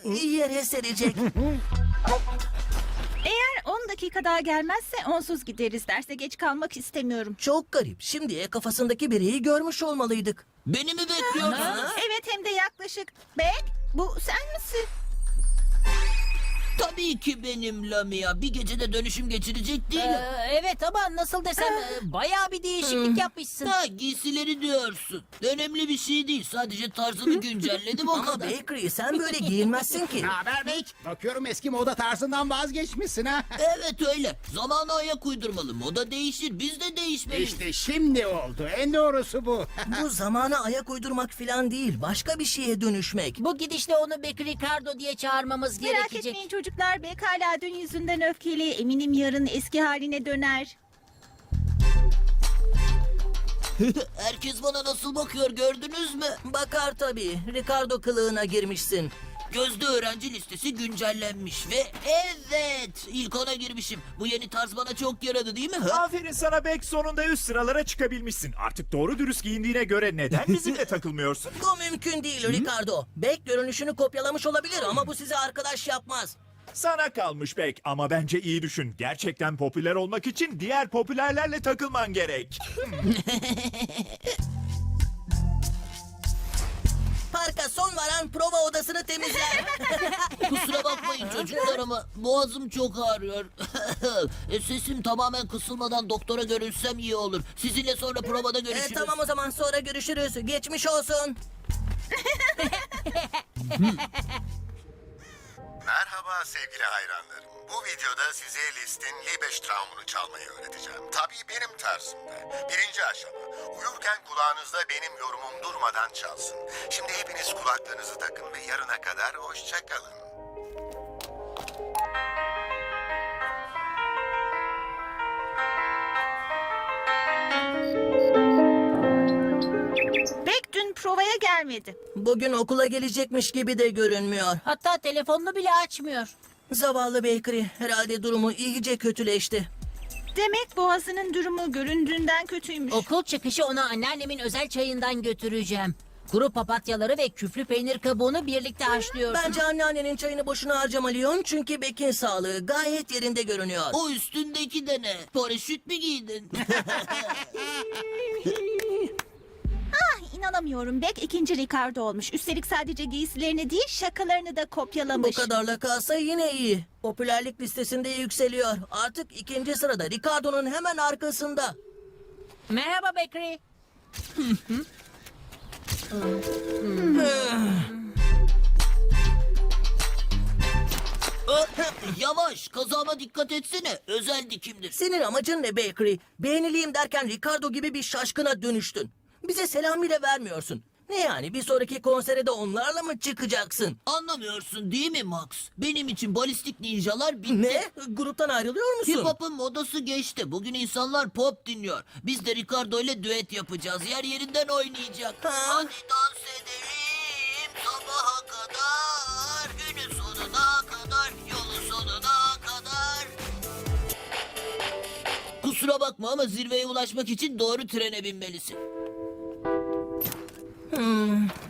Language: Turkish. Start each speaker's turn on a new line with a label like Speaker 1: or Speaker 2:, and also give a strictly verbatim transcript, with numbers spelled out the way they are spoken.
Speaker 1: yere serecek.
Speaker 2: Eğer on dakika daha gelmezse onsuz gideriz. Derse geç kalmak istemiyorum.
Speaker 1: Çok garip. Şimdiye kafasındaki bireyi görmüş olmalıydık.
Speaker 3: Beni mi bekliyorsunuz?
Speaker 2: Evet, hem de yaklaşık. Bek, bu sen misin?
Speaker 3: Tabii ki benim Lamia. Bir gecede dönüşüm geçirecek değilim.
Speaker 4: Ee, evet ama nasıl desem e, bayağı bir değişiklik yapmışsın.
Speaker 3: Ha, giysileri diyorsun. Önemli bir şey değil. Sadece tarzını güncelledim o
Speaker 1: Ama
Speaker 3: kadar.
Speaker 1: Bakery sen böyle giyinmezsin ki.
Speaker 5: Ne haber Bek? Bakıyorum eski moda tarzından vazgeçmişsin ha.
Speaker 3: Evet öyle. Zamana ayak uydurmalı. Moda değişir. Biz de değişmeliyiz.
Speaker 5: İşte şimdi oldu. En doğrusu bu.
Speaker 1: Bu zamana ayak uydurmak falan değil. Başka bir şeye dönüşmek.
Speaker 4: Bu gidişle onu Bekri Ricardo diye çağırmamız
Speaker 2: Merak
Speaker 4: gerekecek.
Speaker 2: etmeyin çocuklar. Bek hala dün yüzünden öfkeli. Eminim yarın eski haline döner.
Speaker 3: Herkes bana nasıl bakıyor gördünüz mü?
Speaker 1: Bakar tabii. Ricardo kılığına girmişsin.
Speaker 3: Gözde öğrenci listesi güncellenmiş ve evet ilk ona girmişim. Bu yeni tarz bana çok yaradı değil mi? Ha?
Speaker 6: Aferin sana Bek, sonunda üst sıralara çıkabilmişsin. Artık doğru dürüst giyindiğine göre neden bizimle takılmıyorsun?
Speaker 1: Bu mümkün değil Ricardo. Bek görünüşünü kopyalamış olabilir ama bu sizi arkadaş yapmaz.
Speaker 6: Sana kalmış Bek ama bence iyi düşün. Gerçekten popüler olmak için diğer popülerlerle takılman gerek.
Speaker 1: Parka son varan prova odasını temizler.
Speaker 3: Kusura bakmayın çocuklar ama boğazım çok ağrıyor. E, Sesim tamamen kısılmadan doktora görünsem iyi olur. Sizinle sonra provada
Speaker 1: E,
Speaker 3: görüşürüz.
Speaker 1: tamam o zaman sonra görüşürüz. Geçmiş olsun.
Speaker 7: Merhaba sevgili hayranlarım. Bu videoda size Liszt'in Liebestraum'unu çalmayı öğreteceğim. Tabii benim tarzımda. Birinci aşama. Uyurken kulağınızda benim yorumum durmadan çalsın. Şimdi hepiniz kulaklarınızı takın ve yarına kadar hoşça kalın.
Speaker 2: Bek dün provaya gelmedi.
Speaker 1: Bugün okula gelecekmiş gibi de görünmüyor.
Speaker 4: Hatta telefonunu bile açmıyor.
Speaker 1: Zavallı Bakery. Herhalde durumu iyice kötüleşti.
Speaker 2: Demek boğazının durumu göründüğünden kötüymüş.
Speaker 4: Okul çıkışı ona anneannemin özel çayından götüreceğim. Kuru papatyaları ve küflü peynir kabuğunu birlikte haşlıyorsun.
Speaker 1: Bence anneannenin çayını boşuna harcama Leon. Çünkü Bek'in sağlığı gayet yerinde görünüyor.
Speaker 3: O üstündeki de ne? Paraşüt mü giydin?
Speaker 2: Ah, inanamıyorum. Bek ikinci Ricardo olmuş. Üstelik sadece giysilerini değil şakalarını da
Speaker 1: Bu
Speaker 2: kopyalamış.
Speaker 1: kadarla kalsa yine iyi. Popülerlik listesinde yükseliyor. Artık ikinci sırada Ricardo'nun hemen arkasında.
Speaker 4: Merhaba Bekri.
Speaker 3: Ö, Yavaş, kazama dikkat etsene. Özel dikimdir.
Speaker 1: Senin amacın ne Bakery? Beğenileyim derken Ricardo gibi bir şaşkına dönüştün. Bize selam bile vermiyorsun. Ne yani bir sonraki konsere de onlarla mı çıkacaksın?
Speaker 3: Anlamıyorsun değil mi Max? Benim için balistik ninjalar bitti.
Speaker 1: Ne? Gruptan ayrılıyor musun?
Speaker 3: Hip hop'un modası geçti. Bugün insanlar pop dinliyor. Biz de Ricardo ile düet yapacağız. Yer yerinden oynayacak.
Speaker 1: Ha?
Speaker 3: Hadi dans edelim sabaha kadar. Günün sonuna kadar. Yolun sonuna kadar. Kusura bakma ama zirveye ulaşmak için doğru trene binmelisin.